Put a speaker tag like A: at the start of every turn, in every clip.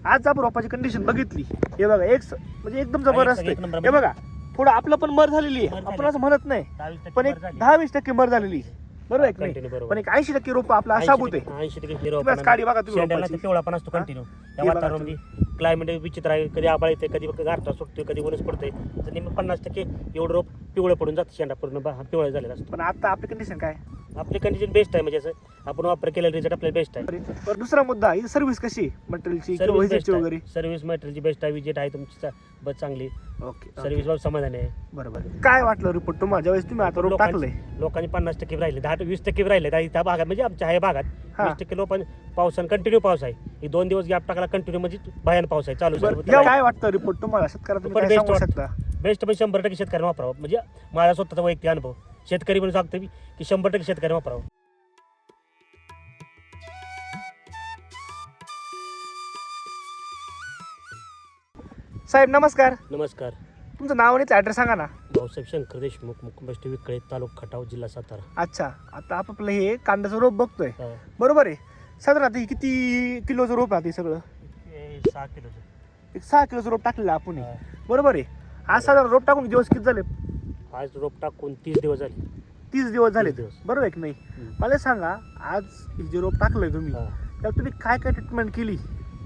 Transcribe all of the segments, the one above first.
A: आज आपण रोपाची कंडिशन बघितली, हे बघा म्हणजे एकदम जबरदस्त
B: एक नंबर
A: आहे. हे बघा थोडं आपलं पण मर झालेली आहे, आपण असं म्हणत नाही,
B: 22%
A: पण एक
B: वर झाली.
A: 10-20% मर झालेली आहे. बरोबर आहे की नाही?
B: Continue बरोबर.
A: पण एक 80% रोप आपला साबूत आहे.
B: 80%
A: तुम्ही आज काढी बघा तुम्ही
B: शेंड्याला
A: रोपाची.
B: पिवळा पण असतो कंटिन्यू. त्या
A: हे बघा
B: वातावरणामध्ये क्लायमेट विचित्र आहे, कधी आभाळ येते, कधी गारठा सुटतोय, कधी ऊनच पडतंय. तर निम्मे 50% एवढं रोप पिवळं पडून जातं, शेंडा पूर्ण पिवळा झालेला असतो.
A: पण आता आपली कंडिशन काय?
B: आपली कंडिशन बेस्ट आहे, म्हणजे असं आपण वापर केलेला रिझल्ट आपल्याला बेस्ट आहे.
A: बरं, दुसरा मुद्दा ही सर्व्हिस कशी मटेरियलची किंवा व्हिजिटची वगैरे?
B: सर्व्हिस मटेरियलची बेस्ट आहे, विजिट आहे तुमची बस चांगली,
A: ओके
B: सर्व्हिस बाबत समाधान आहे.
A: बरोबर. काय वाटलं रिपोर्ट तुम्हाला ज्यावेळेस तुम्ही आता रोप टाकले?
B: लोकांनी 50% राहिले, 10-20% राहिले त्या भागात, म्हणजे आमच्या ह्या भागात
A: हा.
B: 20% लोकांनी पावसानं कंटिन्यू पाऊस आहे. ही 2 दिवस गॅप टाकला कंटिन्यू, म्हणजे भयान पाऊस आहे चालू.
A: काय वाटतं रिपोर्ट तुम्हाला शेतकऱ्याला, तुम्ही काय सांगू शकता?
B: बेस्ट पण 100% शेतकऱ्यांनी वापरावं, म्हणजे माझा स्वतःचा वैयक्तिक अनुभव शेतकरी म्हणून सांगतो मी की 100% शेतकऱ्यांनी वापरावं.
A: साहेब नमस्कार,
B: नमस्कार.
A: तुमचं नाव आणि ॲड्रेस सांगा ना.
B: भाऊसाहेब शंकर देशमुख, मुक्काम विकळे, तालुका खटाव, जिल्हा सातारा.
A: अच्छा, आता आपलं हे कांद्याचं रोप बघतोय,
B: हा.
A: बरोबर आहे? साधारण किती किलोचं रोप आहे ते सगळं?
B: हे 6 किलोचं.
A: एक 6 किलोचं रोप टाकलेलं आहे आपण,
B: हा.
A: बरोबर आहे? आज साधारण रोप टाकून दिवस किती झाले?
B: आज रोप टाकून 30 दिवस झाले.
A: 30 दिवस झाले,
B: 30 दिवस.
A: बरोबर आहे की नाही? मला सांगा, आज हे जे रोप टाकलंय तुम्ही,
B: हा.
A: त्याला तुम्ही काय काय ट्रीटमेंट केली?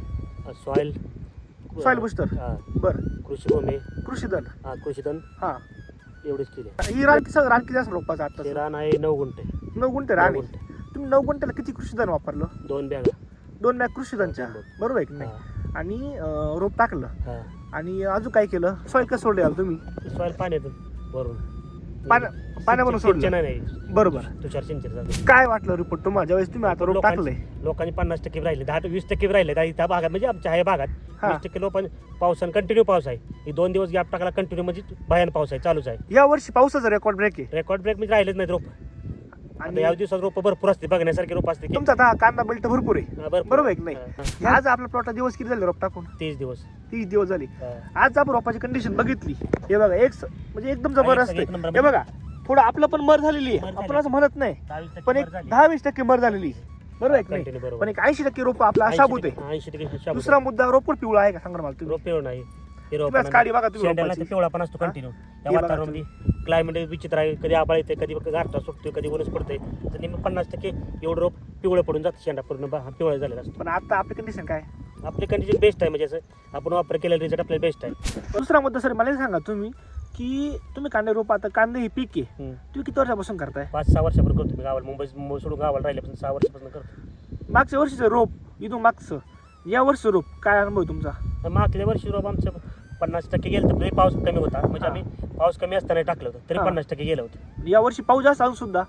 B: सॉइल
A: बुस्टर, बरं,
B: कृषी
A: कृषीधन,
B: कृषीधन
A: हा,
B: एवढेच केले.
A: ही रान किती असं रोपाचं आता?
B: ते रान आहे 9 गुंठे.
A: 9 गुंठे रान
B: 9
A: आहे.
B: गुंठे.
A: तुम्ही 9 गुंठ्याला किती कृषीधन वापरलं?
B: 2 बॅगा.
A: 2 बॅग कृषीधनच्या, बरोबर आहे की नाही? आणि रोप टाकलं, आणि अजून काय केलं? सॉइल कसं सोडलं तुम्ही?
B: सॉइल पाण्यातून भरून
A: पाण्यावरून सोडलं,
B: सिंचन नाही,
A: बरोबर.
B: तुषार सिंचन.
A: काय वाटलं रिपोर्ट तुम्हाला ज्यावेळेस तुम्ही आता रोप टाकले?
B: लोकांनी 50% राहिले, 10-20% राहिले त्या भागात, म्हणजे आमच्या ह्या भागात
A: हा.
B: 20% लोकांनी पावसानं कंटिन्यू पाऊस आहे. ही 2 दिवस गॅप टाकला कंटिन्यू, म्हणजे भयान पाऊस आहे चालूच आहे.
A: या वर्षी पावसाचा रेकॉर्ड ब्रेक आहे,
B: रेकॉर्ड ब्रेक म्हणजे राहिलेच नाहीत रोप. आणि
A: आणि
B: या दिवसात रोप भरपूर असते, बघण्यासारखे रोप असते.
A: तुमचा आता कांदा बेल्ट भरपूर आहे, बरोबर आहे की नाही?
B: हा.
A: आज आपला प्लॉट दिवस किती झाले रोप टाकून?
B: 30 दिवस.
A: 30 दिवस झाले.
B: हा.
A: आज आपण रोपाची कंडिशन बघितली, हे बघा म्हणजे एकदम जबरदस्त
B: एक नंबर
A: आहे. हे बघा थोडं आपलं पण मर झालेली आहे, आपण असं म्हणत नाही,
B: 22%
A: पण एक
B: वर झाली.
A: 10-20% मर झालेली आहे, बरोबर आहे की नाही?
B: Continue बरोबर.
A: पण एक 80% रोप आपला साबूत आहे.
B: 80% शाबूत.
A: दुसरा मुद्दा, रोप पिवळा आहे का सांगा मला तुम्ही?
B: रोप पिवळं नाही. हे
A: तुम्ही आज काढी बघा तुम्ही
B: शेंड्याला
A: रोपाची.
B: पिवळा पण असतो
A: हा?
B: कंटिन्यू. त्या
A: हे बघा
B: वातावरणामध्ये क्लायमेट विचित्र आहे, कधी आभाळ येते, कधी गारठा सुटतोय, कधी ऊनच पडतंय. तर निम्मे 50% एवढं रोप पिवळं पडून जातं, शेंडा पूर्ण पिवळा झालेला असतो.
A: पण आता आपली कंडिशन काय?
B: आपली कंडिशन बेस्ट आहे, म्हणजे असं आपण वापर केलेला रिझल्ट आपल्याला बेस्ट आहे.
A: दुसरा मुद्दा सर मला हे सांगा तुम्ही, की तुम्ही कांदे रोप, आता कांदे हे पीक आहे,
B: हम्म.
A: तुम्ही किती वर्षापासून करताय?
B: 5-6 वर्षापासून करतो मी गावाला, मुंबई सोडून गावाला राहिल्यापासून 6 वर्षापासून करतो.
A: मागच्या वर्षीचं रोप इथून मागचं या वर्षीचं रोप काय अनुभव आहे तुमचा?
B: तर मागल्या वर्षी रोप आमचं 50% गेलं होतं, तरी पाऊस कमी होता, म्हणजे
A: हा.
B: आम्ही पाऊस कमी असताना टाकलं होतं, तरी
A: हा.
B: 50% गेलं होतं.
A: या वर्षी पाऊस जास्त असून सुद्धा,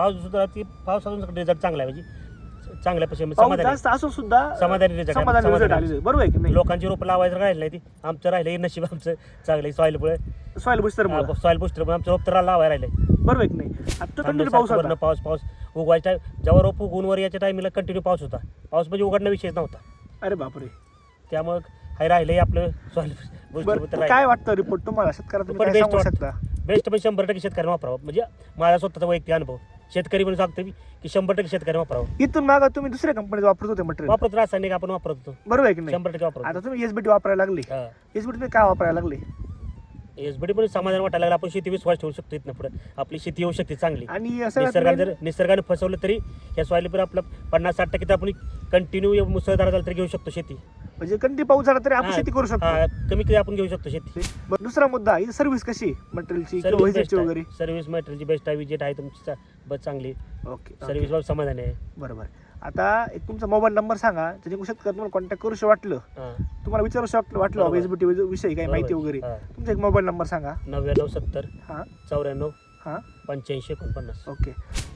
B: पाऊस अजून रिझल्ट चांगला आहे, म्हणजे चांगल्यापासून
A: पाऊस
B: समाधानी
A: जास्त असून सुद्धा
B: समाधानी result आहे.
A: समाधानी result
B: समाधानी.
A: आलेले, बरोबर आहे की नाही?
B: लोकांची रोपं लावायचं राहिलं नाही, ती आमचं राहिलं, हे नशीब आमचं चांगलं सॉइलमुळे,
A: सॉइल बुस्टर
B: सॉइल बुस्टरमुळे आमचं रोप तर लावायला राहिले.
A: बरोबर आहे की नाही? आता कंटिन्यू पाऊस होता.
B: पाऊस उगवायच्या जेव्हा रोप उगवून वर याच्या टायमिंगला कंटिन्यू पाऊस होता. पाऊस म्हणजे उघडणं विषयच नव्हता,
A: अरे बापरे.
B: त्यामुळे हे राहिलंय आपलं सॉइल
A: बरं, काय वाटतं रिपोर्ट तुम्हाला शेतकऱ्याला, तुम्ही काय सांगू शकता?
B: बेस्ट पण 100% शेतकऱ्यांनी वापरावं, म्हणजे माझा स्वतःचा वैयक्तिक अनुभव शेतकरी म्हणून सांगतो मी की 100% शेतकऱ्यांनी वापरावं.
A: इथून मागं तुम्ही दुसऱ्या कंपनीचं वापरत होते मटेरियल,
B: वापरत रासायनिक आपण वापरत होतो,
A: बरोबर आहे की नाही?
B: 100% वापरतो.
A: आता तुम्ही एसबीटी वापरायला लागली, एसबीटी तुम्ही काय वापरायला लागले?
B: एसबीडी पण समाधान वाटायला लागलं, आपण शेती विश्वास ठेवू शकतो इथनं पुढे, आपली शेती येऊ शकते चांगली.
A: आणि
B: निसर्गाने फसवलं तरी या सॉइलवर आपलं 50-60% तर आपण कंटिन्यू मुसळधार झालं तरी घेऊ शकतो शेती,
A: म्हणजे कंटिन्यू पाऊस झाला तरी आपण शेती करू शकतो,
B: कमी आपण घेऊ शकतो शेती.
A: बरं, दुसरा मुद्दा, ही सर्व्हिस कशी मटेरियलची किंवा व्हिजिटची वगैरे?
B: सर्व्हिस मटेरियलची बेस्ट आहे, विजिट आहे तुमची बस चांगली,
A: ओके,
B: सर्व्हिस बाबत समाधान आहे.
A: बरोबर. आता एक तुमचा मोबाईल नंबर सांगा, त्याच्या शेतकरी तुम्हाला कॉन्टॅक्ट करू वाटलं, तुम्हाला विचारू वाटलं
B: बरोबर.
A: एसबीटी विषयी काही माहिती वगैरे, तुमचा एक मोबाईल नंबर सांगा.
B: 9970
A: हां
B: 94
A: हां
B: 85 49.
A: ओके.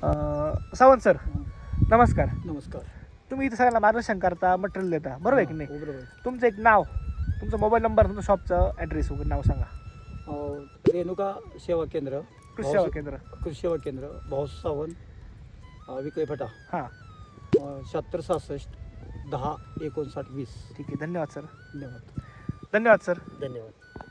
A: सावंत सर नमस्कार.
C: नमस्कार.
A: तुम्ही इथे सगळ्यांना मार्गदर्शन करता, मटेरियल देता, बरोबर आहे की नाही?
C: बरोबर.
A: तुमचं एक नाव, तुमचा मोबाईल नंबर, तुमचं शॉपचं ॲड्रेस वगैरे नाव सांगा.
C: रेणुका सेवा केंद्र,
A: कृषी सेवा केंद्र,
C: कृषी सेवा केंद्र, भाऊस सावंत, विकळे फटा,
A: हां
C: 7666 10 59 20.
A: ठीक आहे. धन्यवाद सर.
C: धन्यवाद.
A: धन्यवाद सर.
B: धन्यवाद.